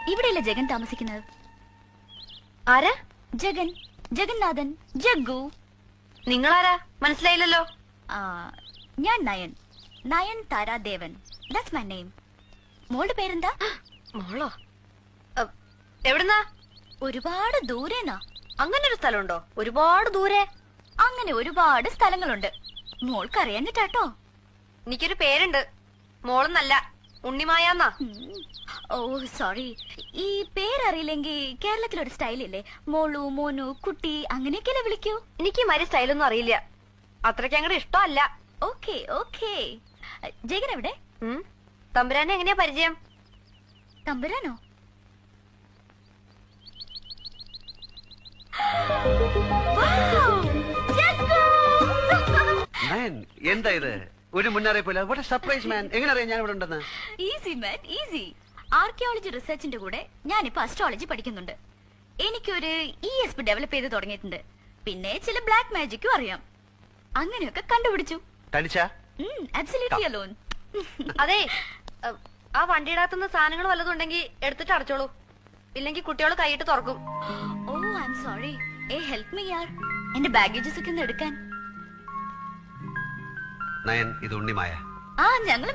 ഇവിടെയല്ലേ ജഗൻ താമസിക്കുന്നത്? ആരാ? ജഗൻ, ജഗന്നാഥൻ, ജഗ്ഗു. നിങ്ങളാരാ? മനസ്സിലായില്ലല്ലോ. ഞാൻ Nayan, Nayan Taradevan. That's my name. മോളുടെ പേരെന്താ? മോളോ? എവിടുന്നാ? ഒരുപാട് ദൂരേന്നാ. അങ്ങനെ ഒരു സ്ഥലമുണ്ടോ? ഒരുപാട് ദൂരെ. അങ്ങനെ ഒരുപാട് സ്ഥലങ്ങളുണ്ട്. മോൾക്ക് അറിയാഞ്ഞിട്ടാട്ടോ. എനിക്കൊരു പേരുണ്ട്, മോളെന്നല്ല, ഉണ്ണിമായാന്നാ. ഓ സോറി. ഈ പേരറിയില്ലെങ്കിൽ കേരളത്തിലൊരു സ്റ്റൈലില്ലേ, മോളു, മോനു, കുട്ടി, അങ്ങനെയൊക്കെയല്ലേ വിളിക്കൂ? എനിക്ക് മരി സ്റ്റൈലൊന്നും അറിയില്ല, അത്രയ്ക്ക് അങ്ങോട്ട് ഇഷ്ടമല്ല. Okay okay. ജഗൻ എവിടെ? തമ്പുരാനെ എങ്ങനെയാ പരിചയം? തമ്പുരാനോ? എന്താ ഇത്? ഒരു മുന്നറിയിപ്പില്ല. What a surprise man. എങ്ങനെ അറിയാം ഞാൻ ഇവിടെ ഉണ്ടെന്ന്? Easy man, easy. ആർക്കിയോളജി റിസർച്ചിന്റെ കൂടെ ഞാനിപ്പോ അസ്ട്രോളജി പഠിക്കുന്നുണ്ട്. എനിക്കൊരു ESP ഡെവലപ്പ് ചെയ്ത് തുടങ്ങിയിട്ടുണ്ട്. പിന്നെ ചില ബ്ലാക്ക് മാജിക്കും അറിയാം. അങ്ങനെയൊക്കെ കണ്ടുപിടിച്ചു. തനിച്ചാ? Absolutely alone. അതെ, ആ വണ്ടിയിടത്തുനിന്ന് സാധനങ്ങൾ വല്ലതും ഉണ്ടെങ്കിൽ എടുത്തിട്ട് അടച്ചോളൂ, ഇല്ലെങ്കിൽ കുട്ടികൾ കൈയിട്ട് തുറക്കും. Oh I am sorry. Help me യാർ. എന്റെ ബാഗേജസ് ഒക്കെ ഒന്ന് എടുക്കാൻ. നയൻ, ഇത് ഉണ്ണിമായ. ഞങ്ങൾ